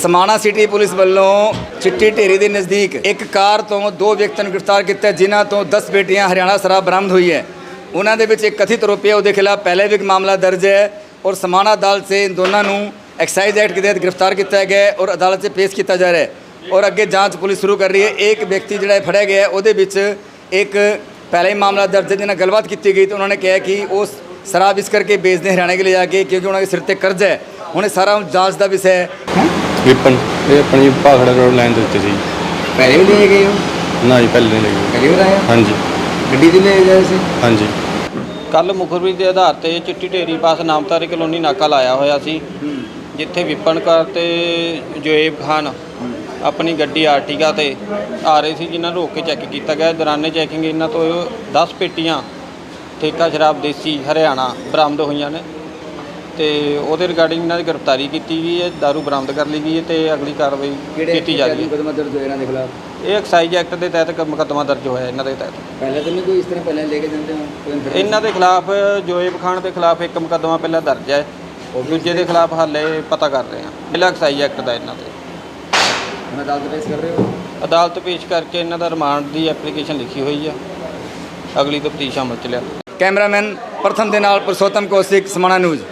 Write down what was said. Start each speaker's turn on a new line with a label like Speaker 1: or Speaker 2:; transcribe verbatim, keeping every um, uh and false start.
Speaker 1: समाणा city police ਵੱਲੋਂ चिट्टी ढेरी के नज़दीक एक कार तो दो व्यक्तियों ਨੂੰ गिरफ्तार किया जिन्हों तो दस पेटियां हरियाणा शराब बरामद हुई है। उन्होंने एक कथित आरोपी है खिलाफ पहले भी एक मामला दर्ज है और समाणा अदालत से इन दोनों को एक्साइज एक्ट के तहत गिरफ्तार किया गया है और अदालत से पेश किया जा रहा है और अगे जाँच पुलिस शुरू कर रही है। एक व्यक्ति जोड़ा फड़िया गया है वो एक पहले ही मामला दर्ज है जिन्हें गलबात की गई तो उन्होंने कहा कि वो शराब इस करके बेचते हरियाणा के ले जाके क्योंकि उन्होंने सिर पर कर्ज है। उन्हें सारा जाँच का विषय है।
Speaker 2: विपन ये अपनी भाखड़ा रोड लाइन देते थे
Speaker 1: पहले भी ले गए हो?
Speaker 2: ना जी पहले नहीं लगे।
Speaker 1: पहली बार आए?
Speaker 2: हाँ जी
Speaker 1: गड्डी च ले गए सी?
Speaker 2: हाँ जी
Speaker 3: ਕੱਲ੍ਹ ਮੁਖਬਰੀ ਦੇ ਆਧਾਰ ਤੇ ਚਿੱਟੀ ਢੇਰੀ ਪਾਸ ਨਾਮਤਾਰੀ ਕਲੋਨੀ ਨਾਕਾ ਲਾਇਆ ਹੋਇਆ ਸੀ ਜਿੱਥੇ ਵਿਪਨ ਕੌਰ ਤੇ ਜੋਏਬ ਖਾਨ ਆਪਣੀ ਗੱਡੀ ਆਰਟੀਗਾ ਤੇ ਆ ਰਹੇ ਸੀ ਜਿਨ੍ਹਾਂ ਨੂੰ ਰੋਕ ਕੇ ਚੈੱਕ ਕੀਤਾ ਗਿਆ। ਦੌਰਾਨੇ ਚੈਕਿੰਗ ਇਹਨਾਂ ਤੋਂ ਦਸ ਪੇਟੀਆਂ ਠੇਕਾ ਸ਼ਰਾਬ ਦੇਸੀ ਹਰਿਆਣਾ ਬਰਾਮਦ ਹੋਈਆਂ ਨੇ ਤੇ ਉਹਦੇ ਰਿਗਾਰਡਿੰਗ ਇਹਨਾਂ ਦੀ ਗ੍ਰਿਫਤਾਰੀ ਕੀਤੀ ਗਈ ਹੈ। ਦਾਰੂ ਬਰਾਮਦ ਕਰ ਲਈ ਗਈ ਹੈ ਤੇ ਅਗਲੀ ਕਾਰਵਾਈ ਕੀਤੀ ਜਾ ਰਹੀ ਹੈ।
Speaker 1: ਮੁਕੱਦਮਾ ਦਰਜ ਹੋਇਆ ਇਹਨਾਂ ਦੇ ਖਿਲਾਫ?
Speaker 3: ਇਹ ਐਕਸਾਈਜ਼ ਐਕਟ ਦੇ ਤਹਿਤ ਮੁਕੱਦਮਾ ਦਰਜ ਹੋਇਆ ਇਹਨਾਂ ਦੇ ਤਹਿਤ।
Speaker 1: ਪਹਿਲਾਂ ਤਾਂ ਨਹੀਂ ਕੋਈ ਇਸ ਤਰ੍ਹਾਂ ਪਹਿਲਾਂ ਲੈ ਕੇ ਜਾਂਦੇ ਹੋ?
Speaker 3: ਇਹਨਾਂ ਦੇ ਖਿਲਾਫ ਜੋਏਬ ਖਾਨ ਦੇ ਖਿਲਾਫ ਇੱਕ ਮੁਕੱਦਮਾ ਪਹਿਲਾਂ ਦਰਜ ਹੈ, ਦੂਜੇ ਦੇ ਖਿਲਾਫ ਹਾਲੇ ਪਤਾ ਕਰ ਰਹੇ ਹਾਂ। ਪਹਿਲਾ ਐਕਸਾਈਜ਼ ਐਕਟ ਦਾ ਇਹਨਾਂ ਤੇ
Speaker 1: ਹੁਣ ਅਦਾਲਤ ਪੇਸ਼ ਕਰ ਰਹੇ ਹੋ?
Speaker 3: ਅਦਾਲਤ ਪੇਸ਼ ਕਰਕੇ ਇਹਨਾਂ ਦਾ ਰਿਮਾਂਡ ਦੀ ਐਪਲੀਕੇਸ਼ਨ ਲਿਖੀ ਹੋਈ ਆ, ਅਗਲੀ ਤਫਤੀਸ਼ ਅਮਲ ਚ ਲਿਆ।
Speaker 1: ਕੈਮਰਾਮੈਨ ਪ੍ਰਥਮ ਦੇ ਨਾਲ ਪੁਰਸ਼ੋਤਮ ਕੌਸ਼ਿਕ, ਸਮਾਣਾ ਨਿਊਜ਼।